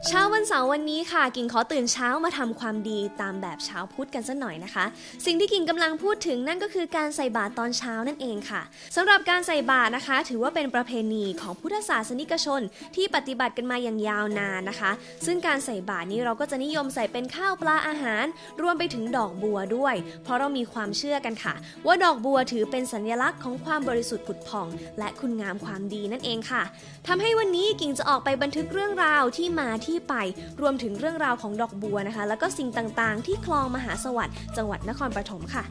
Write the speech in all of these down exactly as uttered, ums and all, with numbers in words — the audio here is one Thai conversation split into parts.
เช้าวันเสาร์วันนี้ค่ะกิ่งขอตื่นเช้ามาทำความดีตามแบบชาวพุทธกันสักหน่อยนะคะสิ่งที่กิ่งกำลังพูดถึงนั่นก็คือการใส่บาตรตอนเช้านั่นเองค่ะสำหรับการใส่บาตรนะคะถือว่าเป็นประเพณีของพุทธศาสนิกชนที่ปฏิบัติกันมาอย่างยาวนานนะคะซึ่งการใส่บาตรนี้เราก็จะนิยมใส่เป็นข้าวปลาอาหารรวมไปถึงดอกบัวด้วยเพราะเรามีความเชื่อกันค่ะว่าดอกบัวถือเป็นสัญลักษณ์ของความบริสุทธิ์ผุดผ่องและคุณงามความดีนั่นเองค่ะทำให้วันนี้กิ่งจะออกไปบันทึกเรื่องราวที่มาที่ไปรวมถึงเรื่องราวของดอกบัวนะคะแล้วก็สิ่งต่างๆที่คลองมหาสวัสดิ์จังหวัดนครปฐมค่ะ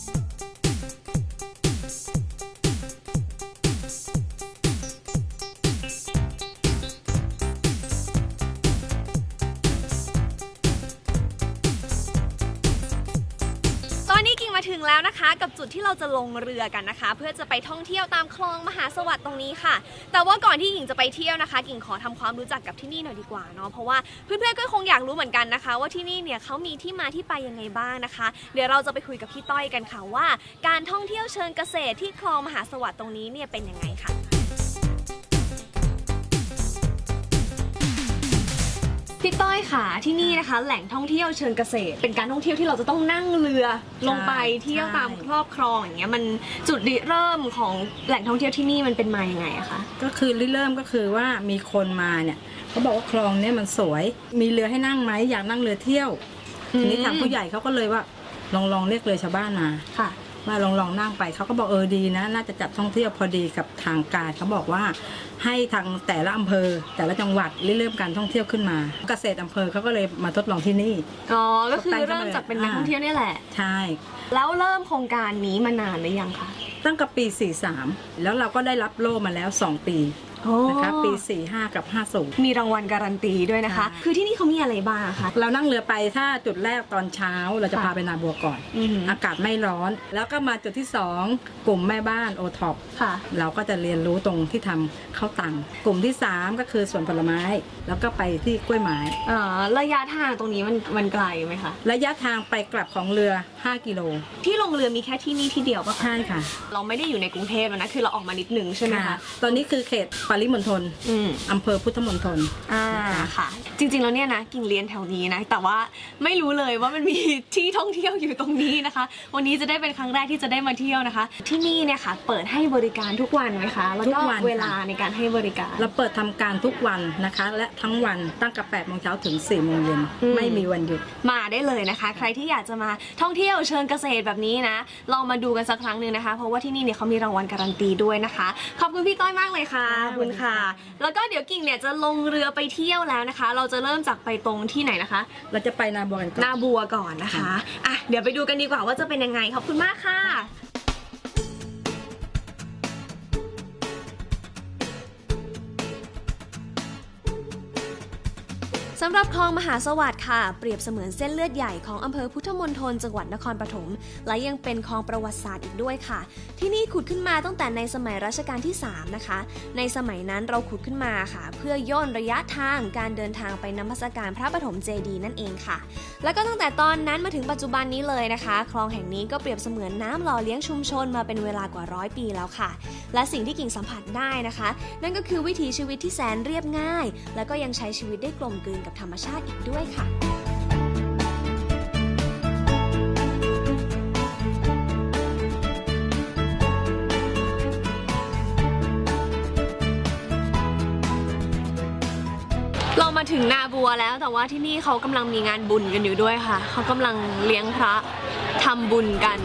มาถึงแล้วนะคะกับจุดที่เราจะลงเรือกันนะคะเพื่อจะไปท่องเที่ยวตามคลองมหาสวัสดิ์ตรงนี้ค่ะแต่ว่าก่อนที่กิ่งจะไปเที่ยวนะคะกิ่งขอทำความรู้จักกับที่นี่หน่อยดีกว่าเนาะเพราะว่าเพื่อนๆก็คงอยากรู้เหมือนกันนะคะว่าที่นี่เนี่ยเขามีที่มาที่ไปยังไงบ้างนะคะเดี๋ยวเราจะไปคุยกับพี่ต้อยกันค่ะว่าการท่องเที่ยวเชิงเกษตรที่คลองมหาสวัสดิ์ตรงนี้เนี่ยเป็นยังไงค่ะพี่ต้อยค่ะที่นี่นะคะแหล่งท่องเที่ยวเชิงเกษตรเป็นการท่องเที่ยวที่เราจะต้องนั่งเรือลงไปเที่ยวตามครอบครองอย่างเงี้ยมันจุดริเริ่มของแหล่งท่องเที่ยวที่นี่มันเป็นมาอย่างไงอะคะก็คือริเริ่มก็คือว่ามีคนมาเนี่ยเขาบอกว่าคลองเนี่ยมันสวยมีเรือให้นั่งไหมอยากนั่งเรือเที่ยวทีนี้ทางผู้ใหญ่เขาก็เลยว่าลองลองเรียกเรือชาวบ้านมาค่ะมาลองลองนั่งไปเขาก็บอกเออดีนะน่าจะจัดท่องเที่ยวพอดีกับทางการเขาบอกว่าให้ทางแต่ละอำเภอแต่ละจังหวัดเริ่มการท่องเที่ยวขึ้นมาเกษตรอำเภอเขาก็เลยมาทดลองที่นี่อ๋อก็คือเริ่มจากเป็นนักท่องเที่ยวนี่แหละใช่แล้วเริ่มโครงการนี้มานานหรือยังคะตั้งแต่ปีสี่สิบสามแล้วเราก็ได้รับโล่มาแล้วสองปีนะคะปีสี่สิบห้ากับห้าสิบมีรางวัลการันตีด้วยนะคะคือที่นี่เขามีอะไรบ้างคะเรานั่งเรือไปถ้าจุดแรกตอนเช้าเราจะพาไปนาบัวก่อนอากาศไม่ร้อนแล้วก็มาจุดที่สองกลุ่มแม่บ้านโอท็อปเราก็จะเรียนรู้ตรงที่ทำข้าวตังกลุ่มที่สามก็คือสวนผลไม้แล้วก็ไปที่กล้วยไม้ระยะทางตรงนี้มันมันไกลไหมคะระยะทางไปกลับของเรือห้ากิโลที่ลงเรือมีแค่ที่นี่ที่เดียวปะใช่ค่ะเราไม่ได้อยู่ในกรุงเทพนะคือเราออกมานิดนึงใช่ไหมคะตอนนี้คือเขตปริมณฑลอำเภอพุทธมณฑลอ่าค่ะจริงๆแล้วเนี่ยนะกิ่งเรียนแถวนี้นะแต่ว่าไม่รู้เลยว่ามันมีที่ท่องเที่ยวอยู่ตรงนี้นะคะวันนี้จะได้เป็นครั้งแรกที่จะได้มาเที่ยวนะคะที่นี่เนี่ยค่ะเปิดให้บริการทุกวันไหมคะแล้วก็เวลาในการให้บริการเราเปิดทำการทุกวันนะคะและทั้งวันตั้งแต่แปดโมงเช้าถึงสี่โมงเย็นไม่มีวันหยุดมาได้เลยนะคะใครที่อยากจะมาท่องเที่ยวเชิงเกษตรแบบนี้นะลองมาดูกันสักครั้งหนึ่งนะคะเพราะว่าที่นี่เนี่ยเขามีรางวัลการันตีด้วยนะคะขอบคุณพี่ต้อยมากเลยค่ะขอบคุณค่ะแล้วก็เดี๋ยวกิ่งเนี่ยจะลงเรือไปเที่ยวแล้วนะคะเราจะเริ่มจากไปตรงที่ไหนนะคะเราจะไปนาบัวกันก่อนนาบัวก่อนนะคะอ่ะเดี๋ยวไปดูกันดีกว่าว่าจะเป็นยังไงขอบคุณมากค่ะสำหรับคลองมหาสวัสดิ์ค่ะเปรียบเสมือนเส้นเลือดใหญ่ของอำเภอพุทธมณฑลจังหวัดนครปฐมและยังเป็นคลองประวัติศาสตร์อีกด้วยค่ะที่นี่ขุดขึ้นมาตั้งแต่ในสมัยรัชกาลที่สามนะคะในสมัยนั้นเราขุดขึ้นมาค่ะเพื่อย่นระยะทางการเดินทางไปนมัสการพระปฐมเจดีย์นั่นเองค่ะแล้วก็ตั้งแต่ตอนนั้นมาถึงปัจจุบันนี้เลยนะคะคลองแห่งนี้ก็เปรียบเสมือนน้ำหล่อเลี้ยงชุมชนมาเป็นเวลากว่าร้อยปีแล้วค่ะและสิ่งที่กิ่งสัมผัสได้นะคะนั่นก็คือวิถีชีวิตที่แสนเรียบง่ายและก็ยังใช้ชีวิตได้กลมกลืนกับธรรมชาติอีกด้วยค่ะเรามาถึงนาบัวแล้วแต่ว่าที่นี่เขากำลังมีงานบุญกันอยู่ด้วยค่ะเขากำลังเลี้ยงพระทำบุญกัน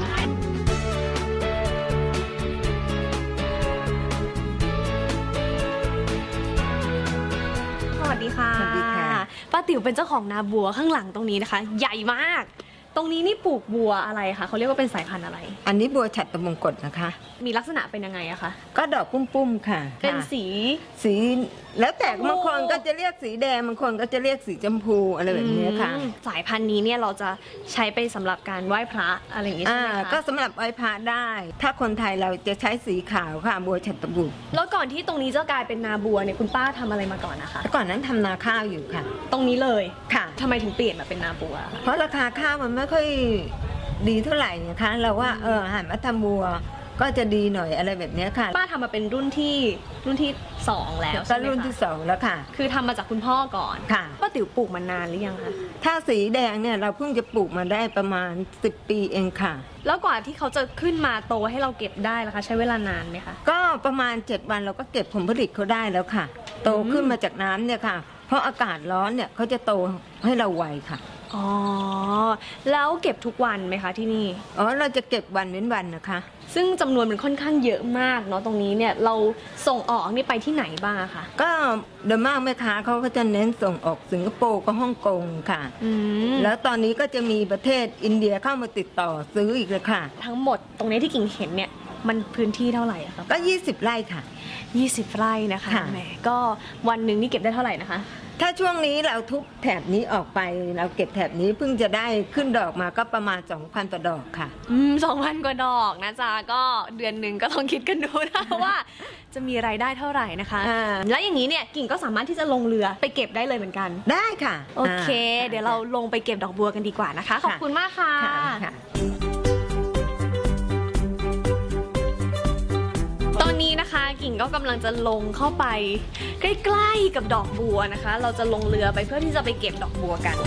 สวัสดีค่ะป้าติ๋วเป็นเจ้าของนาบัวข้างหลังตรงนี้นะคะใหญ่มากตรงนี้นี่ปลูกบัวอะไรคะเขาเรียกว่าเป็นสายพันธุ์อะไรอันนี้บัวฉัตรมงกตนะคะมีลักษณะเป็นยังไงอะคะก็ดอกปุ้มๆค่ะเป็นสีสีแล้วแต่บางคนก็จะเรียกสีแดงบางคนก็จะเรียกสีชมพูอะไรแบบนี้ค่ะสายพันธุ์นี้เนี่ยเราจะใช้ไปสำหรับการไหว้พระอะไรอย่างนี้ใช่ไหมคะก็สำหรับไหว้พระได้ถ้าคนไทยเราจะใช้สีขาวค่ะบัวฉัตรบุตรแล้วก่อนที่ตรงนี้จะกลายเป็นนาบัวเนี่ยคุณป้าทำอะไรมาก่อนนะคะก่อนนั้นทำนาข้าวอยู่ค่ะตรงนี้เลยค่ะทำไมถึงเปลี่ยนมาเป็นนาบัวเพราะราคาข้าวมันไม่ค่อยดีเท่าไหร่นะคะเราว่าเออหันมาทำบัวก็จะดีหน่อยอะไรแบบนี้ค่ะป้าทำมาเป็นรุ่นที่รุ่นที่สองแล้วก็ใช่ไหมรุ่นคะที่สองแล้วค่ะคือทำมาจากคุณพ่อก่อนค่ะป้าติ๋วปลูกมานานหรือยังคะถ้าสีแดงเนี่ยเราเพิ่งจะปลูกมาได้ประมาณสิบปีเองค่ะแล้วกว่าที่เขาจะขึ้นมาโตให้เราเก็บได้ล่ะคะใช้เวลานานไหมคะก็ประมาณเจ็ดวันเราก็เก็บผลผลิตเขาได้แล้วค่ะ โตขึ้นมาจากน้ำเนี่ยค่ะ เพราะอากาศร้อนเนี่ยเขาจะโตให้เราไวค่ะอ๋อแล้วเก็บทุกวันไหมคะที่นี่อ๋อเราจะเก็บวันเว้นวันนะคะซึ่งจำนวนมันค่อนข้างเยอะมากเนาะตรงนี้เนี่ยเราส่งออกนี่ไปที่ไหนบ้างอะคะก็โดยมากแม่ค้าเขาก็จะเน้นส่งออกสิงคโปร์กับฮ่องกงค่ะอืมแล้วตอนนี้ก็จะมีประเทศอินเดียเข้ามาติดต่อซื้ออีกเลยค่ะทั้งหมดตรงนี้ที่กิ่งเห็นเนี่ยมันพื้นที่เท่าไหร่อะคะก็ยี่สิบไร่ค่ะยี่สิบไร่นะคะค่ะแหมก็วันหนึ่งนี่เก็บได้เท่าไหร่นะคะถ้าช่วงนี้เราทุบแถบนี้ออกไปเราเก็บแถบนี้เพิ่งจะได้ขึ้นดอกมาก็ประมาณ สองพัน ต่อดอกค่ะอืมสองพันกว่าดอกนะจ๊ะก็เดือนหนึ่งก็ลองคิดกันดูนะ ว่าจะมีรายได้เท่าไหร่นะคะอ่าแล้วอย่างนี้เนี่ยกิ่งก็สามารถที่จะลงเรือไปเก็บได้เลยเหมือนกันได้ค่ะโอเคอ่าเดี๋ยวเราลงไปเก็บดอกบัวกันดีกว่านะคะ ขอบคุณมากค่ะค่ะค่ะตอนนี้นะคะกิ่งก็กำลังจะลงเข้าไปใกล้ๆกับดอกบัวนะคะ เราจะลงเรือไปเพื่อที่จะไปเก็บดอกบัวกัน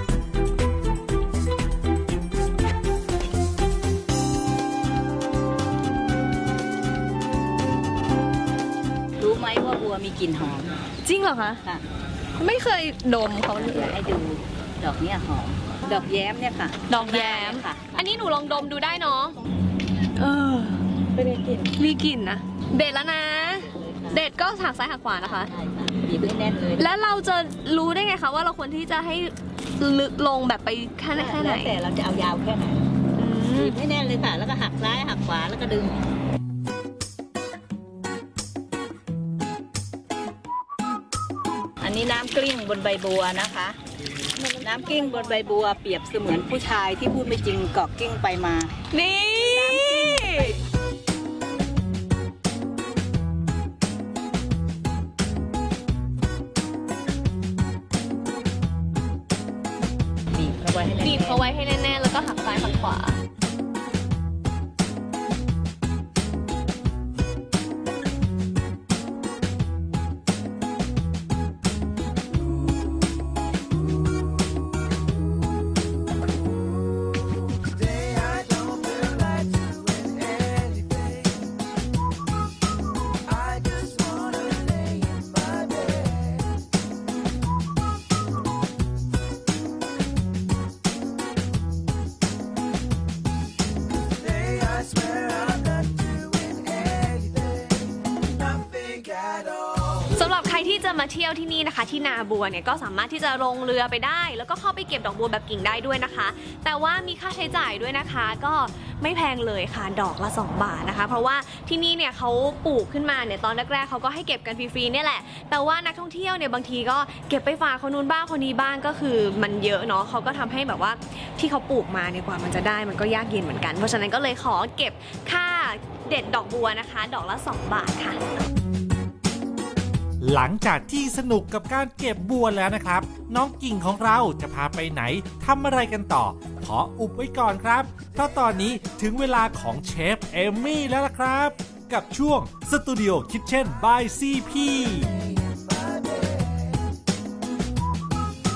รู้ไหมว่าบัวมีกลิ่นหอมจริงเหรอคะค่ะไม่เคยดมเขาเลยอยากให้ดูดอกเนี้ยหอม ดอกแย้มเนี่ยค่ะดอกแย้มค่ะอันนี้หนูลองดมดูได้เนาะเออไม่ได้กลิ่นมีกลิ่นนะ เด็ดแล้วนะ เด็ดก็หักซ้ายหักขวานะคะใช่ค่ะบีบให้แน่นเลยแล้วเราจะรู้ได้ไงคะว่าเราควรที่จะให้ลึกลงแบบไปแค่ไหนแค่ไหนแล้วแต่เราจะเอายาวแค่ไหนอืมบีบให้แน่นเลยค่ะ แล้วก็หักซ้ายหักขวาแล้วก็ดึง อันนี้น้ำกลิ้งบนใบบัวนะคะ น้ำกลิ้งบนใบบัวเปรียบเสมือนผู้ชายที่พูดไม่จริงเกาะกลิ้งไปมานี่บีบเข้าไว้ให้แน่นบีบเขาไว้ให้แน่ๆแล้วก็หักซ้ายหักขวา สำหรับใครที่จะมาเที่ยวที่นี่นะคะ ที่นาบัวเนี่ยก็สามารถที่จะลงเรือไปได้ แล้วก็เข้าไปเก็บดอกบัวแบบกิ่งได้ด้วยนะคะ แต่ว่ามีค่าใช้จ่ายด้วยนะคะ ก็ไม่แพงเลยค่ะดอกละสองบาทนะคะ เพราะว่าที่นี่เนี่ยเขาปลูกขึ้นมาเนี่ยตอนแรกๆเขาก็ให้เก็บกันฟรีๆเนี่ยแหละแต่ว่านักท่องเที่ยวเนี่ยบางทีก็เก็บไปฝากคนนู้นบ้างคนนี้บ้างก็คือมันเยอะเนาะเขาก็ทำให้แบบว่าที่เขาปลูกมาเนี่ยกว่ามันจะได้มันก็ยากเย็นเหมือนกันเพราะฉะนั้นก็เลยขอเก็บค่าเด็ดดอกบัวนะคะ ดอกละสองบาทค่ะหลังจากที่สนุกกับการเก็บบัวแล้วนะครับน้องกิ่งของเราจะพาไปไหนทำอะไรกันต่อขออุบไว้ก่อนครับเพราะตอนนี้ถึงเวลาของเชฟเอมมี่แล้วล่ะครับกับช่วง Studio Kitchen by ซี พี